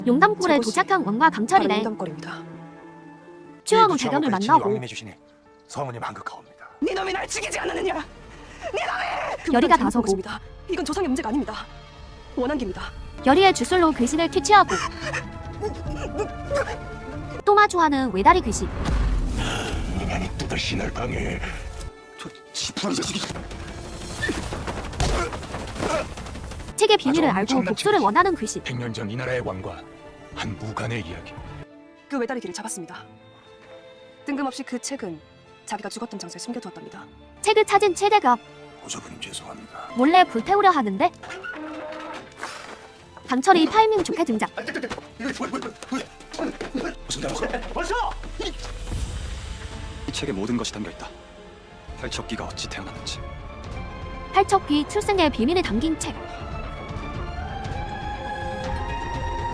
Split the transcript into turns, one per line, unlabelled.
용담골에 도착한 왕과 강철이네.
용담골입니다.
추원 후 대감을 만나고
왕님해 주시니 성은이 만극하옵니다.
네 놈이 날 죽이지 않느냐? 네 놈이!
열이가 다서고
이건 조상의 문제가 아닙니다. 원한기입니다.
열이의 주술로 귀신을 퇴치하고 또 마주하는 외다리 귀신.
인간이 또다시 날 방해. 저 지푸라기 자식이.
책의 비밀을
아주
알고
엄청난
복수를
책이지.
원하는 귀신.
100년 전 이 나라의 왕과 한 무간의 이야기.
그 외다리기를 잡았습니다. 뜬금없이 그 책은 자기가 죽었던 장소에 숨겨두었답니다.
책을 찾은 최대감
고조부님 죄송합니다.
몰래 불태우려 하는데 강철이 타이밍 좋게 등장.
무슨 잘못이야? 벌써!
이 책에 모든 것이 담겨있다. 팔척기가 어찌 태어났는지,
팔척귀 출생의 비밀이 담긴 책.